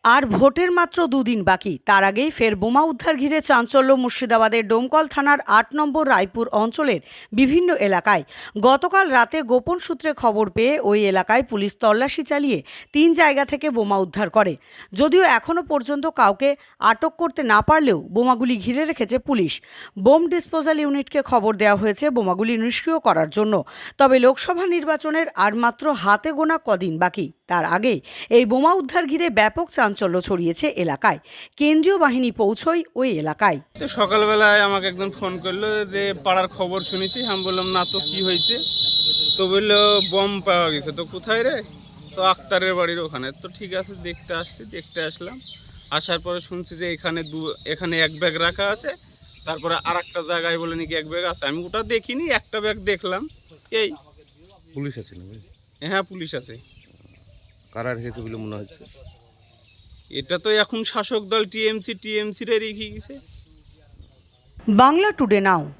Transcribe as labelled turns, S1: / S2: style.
S1: আর ভোটের মাত্র দুদিন বাকি, তার আগেই ফের বোমা উদ্ধার ঘিরে চাঞ্চল্য মুর্শিদাবাদের ডোমকল থানার ৮ নম্বর রায়পুর অঞ্চলের বিভিন্ন এলাকায়। গতকাল রাতে গোপন সূত্রে খবর পেয়ে ওই এলাকায় পুলিশ তল্লাশি চালিয়ে ৩ জায়গা থেকে বোমা উদ্ধার করে। যদিও এখনও পর্যন্ত কাউকে আটক করতে না পারলেও বোমাগুলি ঘিরে রেখেছে পুলিশ। বোম ডিসপোজাল ইউনিটকে খবর দেওয়া হয়েছে বোমাগুলি নিষ্ক্রিয় করার জন্য। তবে লোকসভা নির্বাচনের আর মাত্র হাতে গোনা কদিন বাকি, তার আগে এই বোমা উদ্ধার ঘিরে ব্যাপক চাঞ্চল্য ছড়িয়েছে এলাকায়। কেন্দ্রীয় বাহিনী পৌঁছয় ওই এলাকায়।
S2: তো সকালবেলায় আমাকে একজন ফোন করলো যে পাড়ার খবর শুনেছি। আমি বললাম না তো, কি হয়েছে? তো বললো বম পাওয়া গেছে। তো কোথায় রে? তো আক্তারের বাড়ির ওখানে। তো ঠিক আছে, দেখতে আসলাম। আসার পরে শুনছি যে এখানে এক ব্যাগ রাখা আছে, তারপরে আর একটা জায়গায় বলে নাকি এক ব্যাগ আছে। আমি ওটা দেখিনি, একটা ব্যাগ দেখলাম। এই
S3: পুলিশ আছে না?
S2: হ্যাঁ, পুলিশ আছে।
S3: কারা রেখেছে বলে মনে হচ্ছে?
S2: এটা তো এখন শাসক দল টিএমসি রে রেখে গেছে।
S1: বাংলা টুডে নাও।